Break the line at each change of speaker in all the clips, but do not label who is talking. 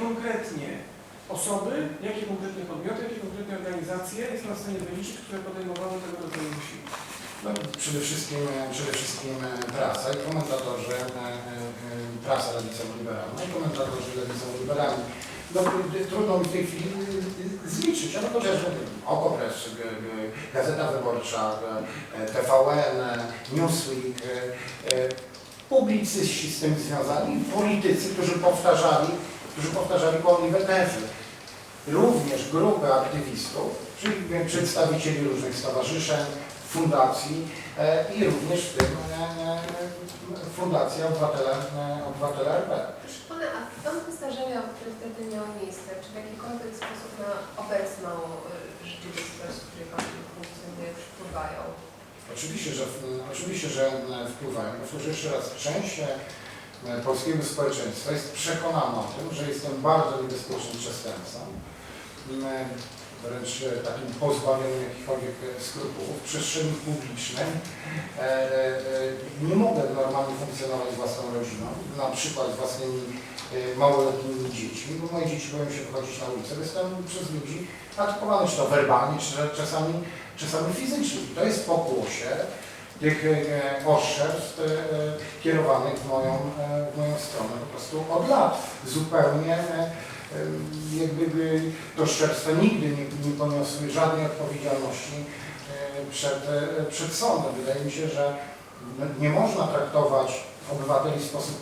konkretnie osoby, jakie konkretnie podmioty, jakie konkretnie organizacje jest na stanie wyliczyć, które podejmowały tego rodzaju wysiłki?
No, przede wszystkim prasa i komentatorzy, prasa lewicowo-liberalna i komentatorzy lewicowo-liberalni. No, trudno mi w tej chwili zliczyć, ale chociażby Okopres, Gazeta Wyborcza, TVN, Newsweek, publicyści z tym związani, politycy, którzy powtarzali kłamliwe tezy. Również grupy aktywistów, czyli przedstawicieli różnych stowarzyszeń, fundacji i również w tym Fundacja Obywatele RP.
Proszę Pana, a są zdarzenia, które wtedy miały miejsce, czy w jakikolwiek sposób na obecną rzeczywistość, w której Pan funkcjonuje, wpływają?
Oczywiście, że wpływają. Powtórzę jeszcze raz, część polskiego społeczeństwa jest przekonana o tym, że jestem bardzo niebezpiecznym przestępcą, wręcz takim pozbawionym jakichkolwiek skrupułów. W przestrzeni publicznej nie mogę normalnie funkcjonować z własną rodziną, na przykład z własnymi małoletnimi dziećmi, bo moje dzieci boją się wychodzić na ulicę. Jestem przez ludzi atakowany, czy to werbalnie, czy czasami fizycznie. To jest pokłosie tych oszczerstw kierowanych w moją stronę po prostu od lat. Zupełnie jakby to oszczerstwa nigdy nie poniosły żadnej odpowiedzialności przed sądem. Wydaje mi się, że nie można traktować obywateli w sposób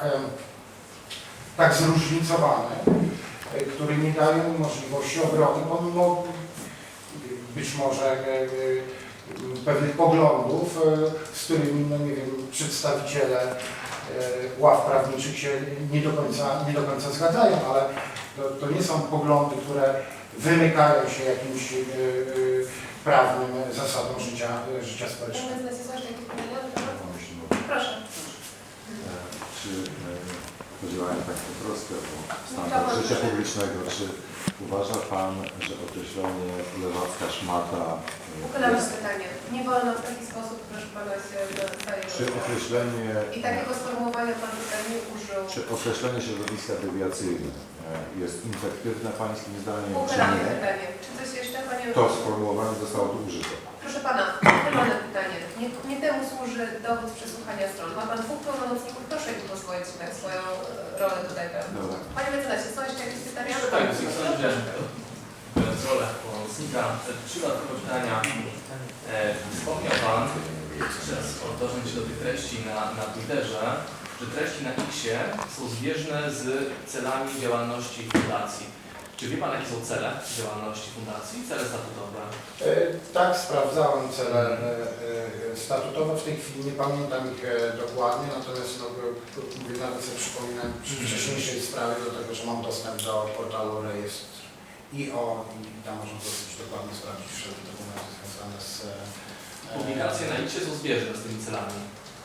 tak zróżnicowany, który nie daje mu możliwości obrony, pomimo być może pewnych poglądów, z którymi, no nie wiem, przedstawiciele ław prawniczych się nie do końca zgadzają, ale to nie są poglądy, które wymykają się jakimś prawnym zasadom życia społecznego.
Proszę.
Czy podzielają Państwo troskę o standard życia publicznego, czy uważa Pan, że określenie lewacka szmata...
Układamy pytanie. Nie wolno w taki sposób, proszę Pana, się dostaje.
Czy określenie...
I takiego sformułowania Pan tutaj nie użył.
Czy określenie środowiska dewiacyjne jest infektywne Pańskim zdaniem, czy
Układamy
nie?
pytanie. Czy coś jeszcze Panie...
To sformułowanie zostało tu użyte.
Proszę Pana, układane pytanie. Nie temu służy dowód przesłuchania stron. Ma Pan dwóch pełnomocników, proszę im pozwolić na swoją rolę tutaj.
Dobra.
Panie mecenasie, są jeszcze jakieś pytania?
Tak, biorąc rolę pomocnika, 3 dodatkowe pytania. Wspomniał Pan, przez odnosząc się do tych treści na Twitterze, że treści na X-ie są zbieżne z celami działalności fundacji. Czy wie Pan, jakie są cele działalności fundacji, cele statutowe?
Tak, sprawdzałem cele statutowe, w tej chwili nie pamiętam ich dokładnie, natomiast nawet sobie przypominam przy wcześniejszej sprawie, do tego, że mam dostęp do portalu rejestr.io i tam można dosyć dokładnie sprawdzić wszelkie dokumenty związane z...
Publikacje na X-ie są zbieżne z tymi celami.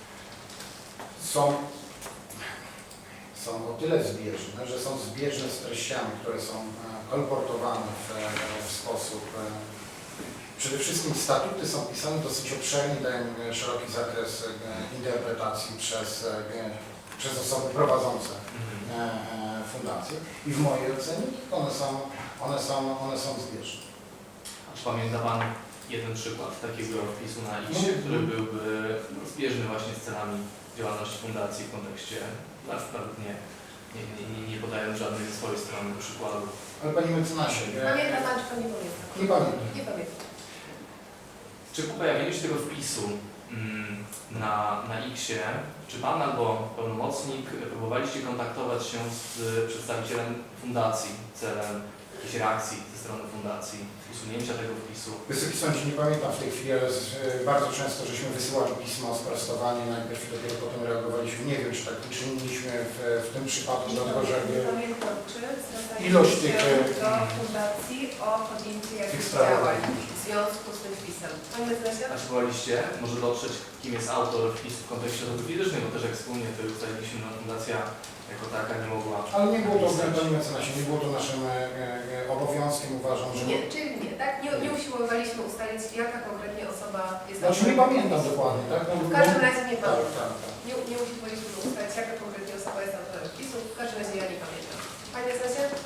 Są o tyle zbieżne, że są zbieżne z treściami, które są kolportowane w sposób... Przede wszystkim statuty są pisane dosyć obszernie, dają szeroki zakres interpretacji przez osoby prowadzące fundację i w mojej ocenie one są zbieżne.
A czy pamięta Pan jeden przykład takiego wpisu na X-ie, który byłby zbieżny właśnie z celami działalności fundacji w kontekście, nawet nie podając żadnej ze swojej strony przykładu?
Ale Panie mecenasie...
Pamięta Pan, czy Pan nie pamięta?
Nie pamiętam.
Nie pamiętam.
Czy po pojawieniu się tego wpisu na X-ie, czy Pan albo pełnomocnik próbowaliście kontaktować się z przedstawicielem fundacji celem jakiejś reakcji ze strony fundacji, usunięcia tego wpisu?
Wysoki Sądzie, nie pamiętam w tej chwili, ale bardzo często żeśmy wysyłali pismo o sprostowanie, najpierw i dopiero potem reagowaliśmy. Nie wiem, czy tak uczyniliśmy w tym przypadku, dlatego że
Pamiętam, czy
ilość tych
do fundacji o podjęcie jakichś działań w związku z tym wpisem. Panie mecenasie?
A czy próbowaliście może dotrzeć, kim jest autor wpisu w kontekście osoby fizycznej, bo też jak wspólnie to ustaliliśmy, no, fundacja jako taka nie mogła...
Ale nie było to, Panie mecenasie, nie było to naszym obowiązkiem, uważam, że...
Nie, czyli nie, tak? Nie usiłowaliśmy ustalić, jaka konkretnie osoba jest...
Znaczy nie pamiętam dokładnie, tak? No,
w każdym razie nie
tak,
pamiętam.
tak.
Nie usiłowaliśmy ustalić, jaka konkretnie osoba jest autorem wpisu. W każdym razie ja nie pamiętam. Panie mecenasie?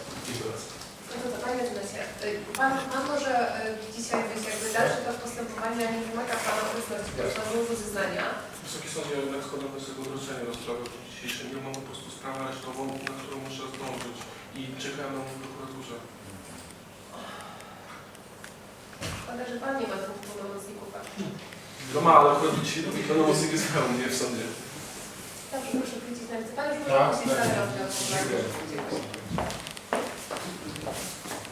Pan może dzisiaj być jakby dalszy tok postępowania, nie wymaga Pana obecności, proszę o złożenie zeznania.
Wysoki Sądzie, jednak składam wniosek o odroczenie rozprawy w dniu dzisiejszym. Ja mam po prostu sprawę aresztową, na którą muszę zdążyć i czekam na mnie w prokuraturze.
Szkoda, że Pan nie ma dwóch pełnomocników.
No ma, ale akurat dzisiaj drugi pełnomocnik jest pełen, nie w sądzie.
Dobrze, proszę wrócić na ręce. Pan już
Tak,
może puścić
tak.
dalej rozdział.
Dziękuję.